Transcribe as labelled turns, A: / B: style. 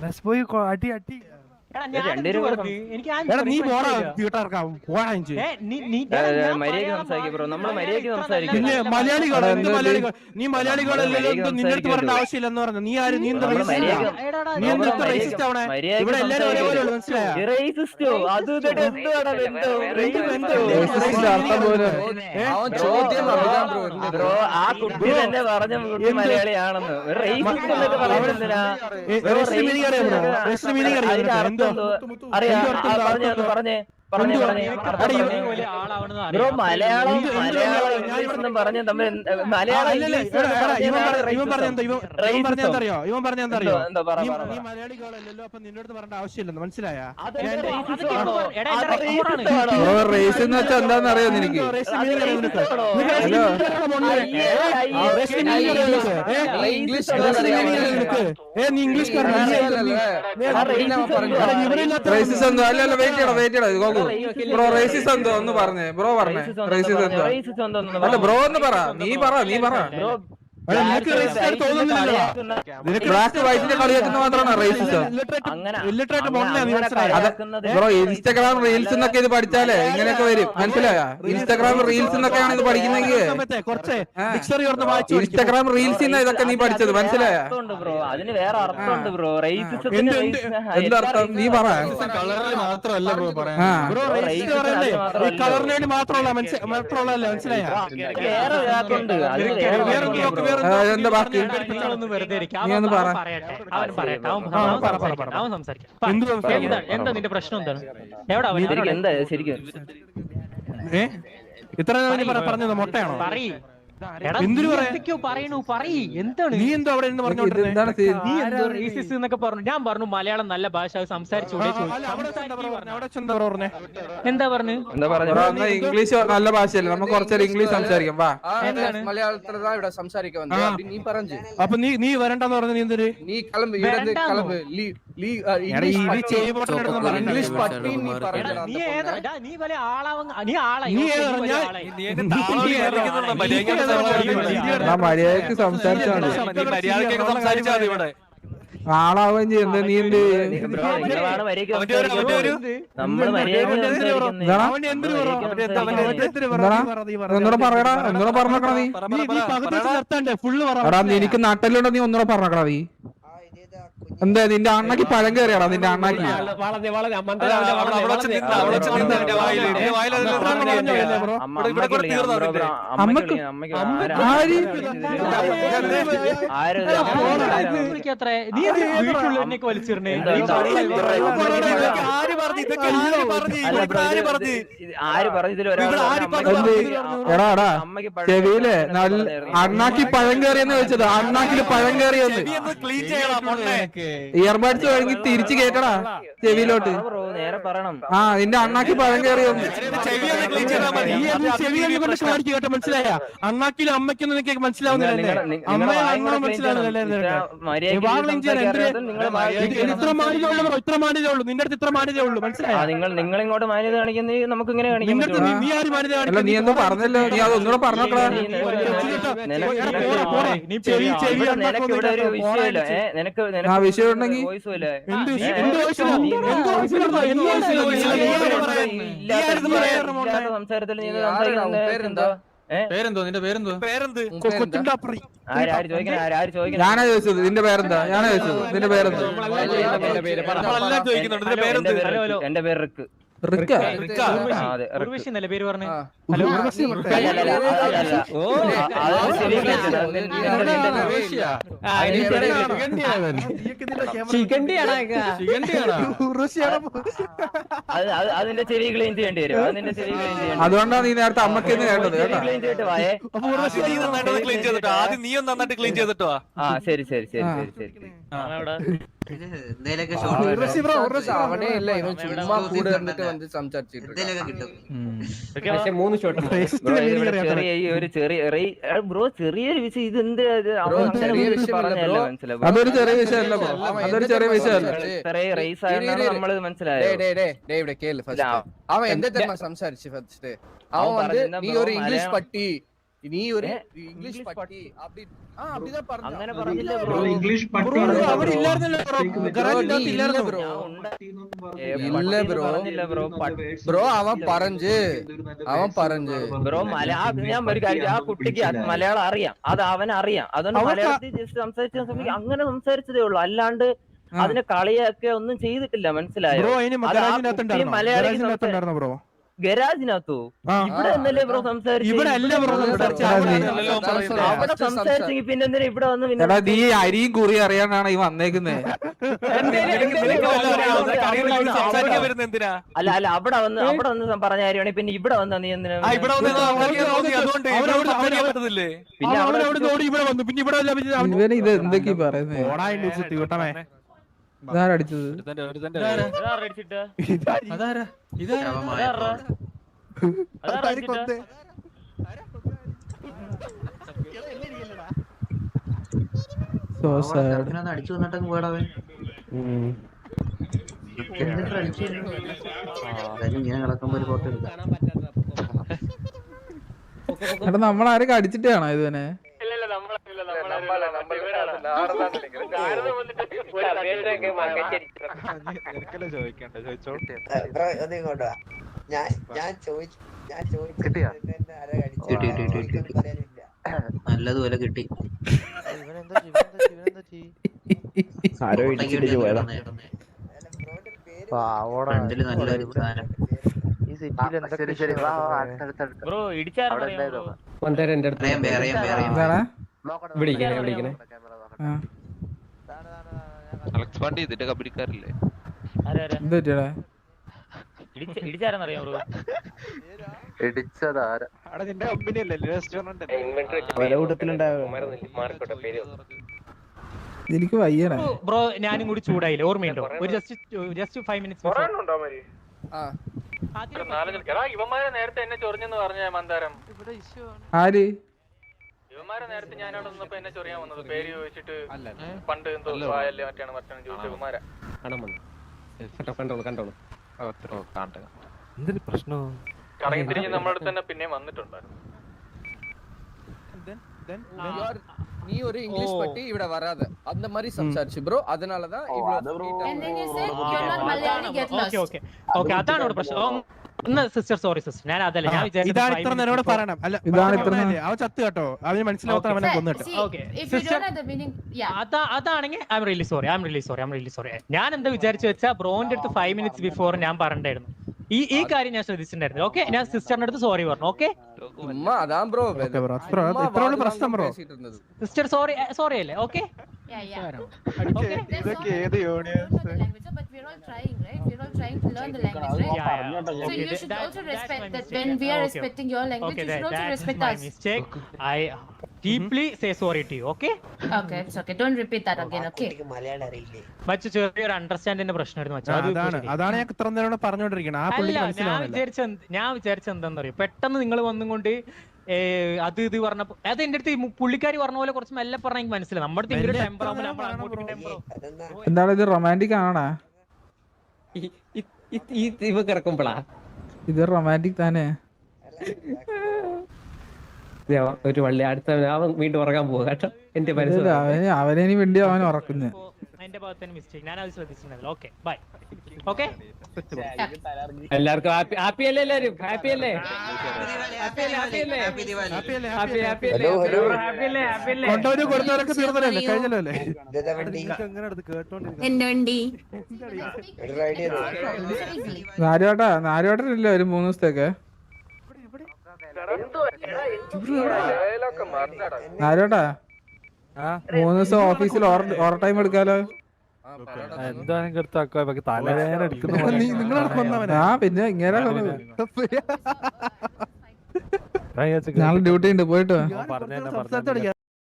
A: അടി അടി
B: നീ പോടാ വീട്ടാർക്കാ പോടാ
C: മര്യാദയ്ക്ക് സംസാരിക്കും ബ്രോ, നമ്മള് മര്യാദയ്ക്ക് സംസാരിക്കും.
B: പിന്നെ മലയാളികൾ എന്ത് മലയാളികൾ? നീ മലയാളികളല്ലോ, നിന്റെ അടുത്ത് പറയേണ്ട ആവശ്യമില്ലെന്ന് പറഞ്ഞു. നീ ആര്? നീ എന്താ റേസിസ്റ്റ് ആവണേ? ഇവിടെ എല്ലാരും ഒരേപോലെ ഉള്ളു, മനസ്സിലായോ?
C: ബ്രോ ആ കുട്ടി തന്നെ പറഞ്ഞ കുട്ടി മലയാളിയാണെന്ന്. പറഞ്ഞേ ബ്രോ, മലയാളം പറഞ്ഞ തമ്മിൽ
B: ഇവൻ പറഞ്ഞെന്തറിയോ? നീ മലയാളികളല്ലോ, അപ്പൊ നിന്റെ അടുത്ത് പറയേണ്ട ആവശ്യമില്ലെന്ന്, മനസ്സിലായോ?
D: റേസ് എന്ന് വെച്ചാൽ എന്താണെന്നറിയോ നിനക്ക്? റേസിസ് എന്തോ അല്ലല്ല വെയിറ്റ് ചെയ്യണം ബ്രോ. റേസിസ് എന്തോ ഒന്ന് പറഞ്ഞേ ബ്രോ, പറഞ്ഞേ റേസിസ് എന്തോ? അല്ല ബ്രോ ഒന്ന് പറ, നീ പറ. ബ്ലാക്ക് വൈറ്റിന്റെ കളി വെക്കുന്ന മാത്രമാണ് റേസിസം. ബ്രോ ഇൻസ്റ്റാഗ്രാം റീൽസ് എന്നൊക്കെ ഇത് പഠിച്ചാലേ ഇങ്ങനെയൊക്കെ വരും, മനസ്സിലായോ? ഇൻസ്റ്റാഗ്രാം റീൽസ് എന്നൊക്കെയാണ് ഇത് പഠിക്കുന്നെങ്കിൽ ഇൻസ്റ്റാഗ്രാം റീൽസ് ഇതൊക്കെ നീ പഠിച്ചത്, മനസ്സിലായോ? എന്തർത്ഥം നീ പറ.
B: കളറിന് വേണ്ടി മാത്രമല്ല, മനസ്സിലായോ?
D: എന്താ ബാക്കി?
E: എന്താ നിന്റെ പ്രശ്നം? എന്താണ്?
C: എന്താ ശരിക്കും
B: ഇത്ര പറഞ്ഞത് മൊട്ടയാണോ?
E: നീ
B: എന്തോ അവിടെ പറഞ്ഞു.
E: ഞാൻ പറഞ്ഞു മലയാളം നല്ല ഭാഷ, സംസാരിച്ചൂടെ? എന്താ പറഞ്ഞു?
D: ഇംഗ്ലീഷ് നല്ല ഭാഷയല്ലേ, നമുക്ക് കുറച്ചേരം ഇംഗ്ലീഷ് സംസാരിക്കാം. വാ,
F: മലയാളത്തിലാണ് ഇവിടെ സംസാരിക്കാൻ. നീ പറഞ്ഞു.
B: അപ്പൊ നീ വരണ്ടെന്ന് പറഞ്ഞു. നീ എന്തൊരു
F: നീ കിളമ്പ് ഇംഗ്ലീഷ് പട്ടി നീ പറഞ്ഞു.
D: മര്യാദക്ക് സംസാരിച്ചാണ് ആളാവുകയും ചെയ്യുന്നത്. നീ എന്ത് ഒന്നുകൂടെ പറയടാ, ഒന്നുകൂടെ പറഞ്ഞോക്കടാ നീ. എടാ എനിക്ക് നട്ടലുണ്ടോ? നീ ഒന്നുകൂടെ പറഞ്ഞോക്കടാ നീ. എന്താ നിന്റെ അണ്ണക്ക് പഴം കയറിയാടാ? നിന്റെ അണ്ണക്ക് എടാ ചെവിയിലെ അണ്ണാക്കി പഴം കയറിയെന്ന് വെച്ചത്. അണ്ണാക്കില് പഴം കയറിയെന്ന് ഇയർബഡ്സ് വഴങ്ങി തിരിച്ചു കേട്ടടാ ചെവിയിലോട്ട്. നിന്റെ അണ്ണാക്കി പഴം കയറിയൊന്ന്.
B: മനസ്സിലായ? അണ്ണാക്കിലും അമ്മയ്ക്കൊന്നും എനിക്ക് മനസ്സിലാവുന്നില്ല. ഇത്ര മാന്യതേ ഉള്ളൂ നിന്റെ അടുത്ത്, ഇത്ര മാന്യതേ ഉള്ളൂ, മനസ്സിലായോ?
C: നിങ്ങൾ ഇങ്ങോട്ട് മാന്യത കാണിക്കുന്നത് നമുക്ക് ഇങ്ങനെ കാണിക്കാൻ.
D: നീ എന്തോ പറഞ്ഞല്ലോ, നീ അതൊന്നുകൂടെ പറഞ്ഞോക്കടാ. ആ വിഷയം ഉണ്ടെങ്കിൽ
C: സംസാരത്തിൽ
D: പേരെന്തോ? നിന്റെ പേരെന്തോ?
C: ഞാനാ
D: ചോദിച്ചത് നിന്റെ പേരെന്താ? ഞാനാ ചോദിച്ചത് നിന്റെ പേരെന്തോ?
C: എന്റെ പേര് റിക്ക്.
E: പേര് പറഞ്ഞു.
C: അതിന്റെ ചെവി ക്ലീൻ ചെയ്യേണ്ടി വരും. അതിന്റെ ചെവി ക്ലീൻ ചെയ്യേണ്ടി.
D: അതുകൊണ്ടാണ് നീ നേരത്തെ അമ്മക്കെന്ന് കേട്ടത്.
A: നീ ഒന്ന് നന്നായിട്ട് ക്ലീൻ ചെയ്തിട്ടോ.
C: ശരി ശരി ശരി ശരി ശരി.
F: അവിടെയല്ല ഇവൻ ചുമ്മാ കൂടെ വന്നിട്ട് വന്ന് സംസാരിച്ചിട്ട്
C: ബ്രോ ചെറിയൊരു വിഷയം. ഇത് എന്ത്
D: അതൊരു ചെറിയ വിഷയമല്ല ബ്രോ, അതൊരു ചെറിയ വിഷയമല്ല.
C: റേസ് ആയതാണ് നമ്മള് മനസ്സിലായത്.
F: അവൻ എന്താ സംസാരിച്ചു ഫസ്റ്റ്? അവൻ വന്ന് നീ ഒരു ഇംഗ്ലീഷ് പട്ടി, നീ ഒരു ഇംഗ്ലീഷ് പട്ടി அப்படிதான் പറഞ്ഞു
C: അങ്ങനെ പറഞ്ഞില്ല ബ്രോ.
G: ഇംഗ്ലീഷ്
B: ബ്രോ അവിടെ ഇല്ലായിരുന്നല്ലോ ഗറാജിനകത്ത് ഇല്ലായിരുന്നു
F: ബ്രോ
C: ഇല്ല
F: ബ്രോ.
C: പറഞ്ഞില്ല ബ്രോ.
F: ബ്രോ അവൻ പറഞ്ഞു
C: ബ്രോ ഞാൻ ഒരു കാര്യം, ആ കുട്ടിക്ക് മലയാളം അറിയാം, അത് അവനറിയാം. അതുകൊണ്ട് മലയാളത്തിൽ ജസ്റ്റ് സംസാരിച്ച അങ്ങനെ സംസാരിച്ചതേ ഉള്ളൂ, അല്ലാണ്ട് അതിനെ കളിയൊക്കെ ഒന്നും ചെയ്തിട്ടില്ല. മനസ്സിലായോ?
B: ബ്രോ അതിന് ഗരാജിനകത്തുണ്ടായിരുന്നോ ബ്രോ?
C: ഗരാജിനകത്തോ? ഇവിടെ എന്നല്ലേ ബ്രോ സംസാരിച്ചു?
B: ഇവിടെ അല്ല ബ്രോ
C: അവിടെ സംസാരിച്ചെങ്കിൽ പിന്നെ എന്തിനാ ഇവിടെ വന്ന്
D: എടാ നീ അരിയും കുറി അറിയാനാണ് ഈ വന്നേക്കുന്നേ.
A: എന്തിനാ
C: അല്ല അവിടെ വന്ന് പറഞ്ഞ കാര്യമാണ്. പിന്നെ ഇവിടെ വന്നാ നീ എന്തിനാ?
A: ഇവിടെ പറ്റത്തില്ലേ?
C: പിന്നെ അവിടെ
B: ഇവിടെ വന്നു, പിന്നെ ഇവിടെ
D: ഇവന് ഇത് എന്തൊക്കെയാ പറയുന്നേ?
B: കൂട്ടമേ
D: ഇതാരടിച്ചത്?
B: അതാരാ
D: So sad.
G: അടിച്ചു വന്നിട്ടങ്ങ് പോയടവൻ ഇങ്ങനെ കിടക്കുമ്പോ ഒരു ഫോട്ടോ എടുക്കാം.
D: എടാ നമ്മളാരൊക്കെ അടിച്ചിട്ടാണോ ഇതിനെ?
G: നല്ലതുപോലെ കിട്ടി. ഫ്രണ്ടില് നല്ലൊരു സാധനം.
C: ബ്രോ ഇടിച്ചായിരുന്നു.
D: എന്താണ്?
A: അലക്സ് പാണ്ടി ഇതിന്റെ കമ്പനിക്കാരല്ലേ?
D: എന്ത് പറ്റിയടാ?
C: ഇടിച്ചാരെന്നറിയാം ബ്രോ?
D: എനിക്ക് വയ്യണേ.
E: ബ്രോ ഞാനും കൂടി ചൂടായില്ലേ, ഓർമ്മയുണ്ടോ? ഒരു ജസ്റ്റ് 5 minutes
A: ഇവന്മാരെ നേരത്തെ എന്നെ ചൊറിഞ്ഞെന്ന് പറഞ്ഞ മന്ദാരം.
D: ആര്?
A: ഇവന്മാരെ നേരത്തെ ഞാനവിടെ നിന്നപ്പോ എന്നെ ചൊറിയാൻ വന്നത് പേര് ചോദിച്ചിട്ട് പണ്ട് എന്തോ ആയല്ലേ മറ്റാണ് ചോദിച്ച ഇവന്മാരാ. എന്തൊരു പ്രശ്നം കറങ്ങി തിരിഞ്ഞ് നമ്മുടെ അടുത്ത് തന്നെ പിന്നെയും വന്നിട്ടുണ്ടായിരുന്നു.
F: நீ ஒரு இங்கிலீஷ் பட்டி இவட வராத அந்த மாதிரி சம்சாரிச்சு ப்ரோ. அதனால தான்
E: ഓക്കെ അതാണ് ഇവിടെ പ്രശ്നം. സിസ്റ്റർ സോറി സിസ്റ്റർ, ഞാൻ അതല്ല ഞാൻ
B: ഇതാണ് ഇത്ര നേരോട് പറയണം. അല്ല
D: ഇതാണ് ഇത്ര
B: അവൻ ചത്ത് കേട്ടോ, അവന് മനസ്സിലാവാത്ത അവനെ കൊന്നിട്ട്.
E: അതാണെങ്കിൽ ഐ എം റിയലി സോറി. ഞാൻ എന്താ വിചാരിച്ചു വെച്ചാൽ ബ്രോന്റെ അടുത്ത് 5 minutes ബിഫോർ ഞാൻ പറഞ്ഞിട്ടുണ്ടായിരുന്നു ഈ കാര്യം ഞാൻ ശ്രദ്ധിച്ചിട്ടുണ്ടായിരുന്നു. ഓക്കെ, ഞാൻ സിസ്റ്ററിന്റെ അടുത്ത് സോറി പറഞ്ഞു. ഓക്കെ
F: அதான் ப்ரோ
B: ഇത്രയുള്ള പ്രശ്നം ബ്രോ.
E: സിസ്റ്റർ സോറി അല്ലേ? ഓക്കെ
A: ഇതൊക്കെ ഏത് union?
H: But we're all trying, right? We're all trying to learn the language, right? So you should also respect that when we are respecting your language, you should also respect us.
E: Mistake. I deeply say sorry to you. Okay?
H: Okay, it's okay. Don't repeat that again, okay?
E: മറ്റു ചെറിയൊരു അണ്ടർസ്റ്റാൻഡിന്റെ പ്രശ്നമായിരുന്നു മച്ചാ.
B: അതാണ് ഞാൻ ഇത്ര നേരോട് പറഞ്ഞോണ്ടിരിക്കുന്നത്. ആ പുള്ളിക്ക്
E: ഞാൻ
B: മനസ്സിലാവുന്നില്ല.
E: വിചാരിച്ച എന്താണെന്നറിയോ, പെട്ടെന്ന് നിങ്ങൾ വന്നും കൊണ്ട് അത് ഇത് പറഞ്ഞപ്പോ അത് എന്റെ അടുത്ത് പുള്ളിക്കാരി പറഞ്ഞ പോലെ കുറച്ച് മെല്ലെ പറഞ്ഞ എനിക്ക് മനസ്സിലായി. നമ്മുടെ ടെമ്പർ
D: എന്താണ് ഇത്? റൊമാൻറ്റിക് ആണോ
E: ഇവ കിടക്കുമ്പോളാ
D: ഇത്? റൊമാൻറ്റിക് താനേ.
E: ഒരു വള്ളി അടുത്ത അവൻ വീണ്ടും ഉറങ്ങാൻ പോവുക കേട്ടോ. എന്റെ
D: അവനെ വേണ്ടി അവൻ ഉറക്കുന്നത്.
E: എന്റെ ഭാഗത്ത് മിസ്റ്റേക്ക്, ഞാൻ അത് ശ്രദ്ധിച്ചിട്ടുണ്ടാവില്ല. Okay bye. ഓക്കെ
B: എല്ലാവർക്കും
E: ഹാപ്പി അല്ലേ? എല്ലാവരും ഹാപ്പി അല്ലേ?
B: കൊണ്ടവര് കൊടുത്തവരൊക്കെ തീർന്നല്ലേ, കഴിഞ്ഞല്ലോ അല്ലേ?
D: നാലുവട്ടനില്ല ഒരു 3 ദിവസത്തേക്ക്. നാലുവട്ടാ 3 ദിവസം ഓഫീസിൽ ഓവർ ടൈം എടുക്കാലോ.
A: തലവേദന
D: ആ പിന്നെ ഇങ്ങനെ നാളെ ഡ്യൂട്ടി ഉണ്ട്, പോയിട്ട് വാ.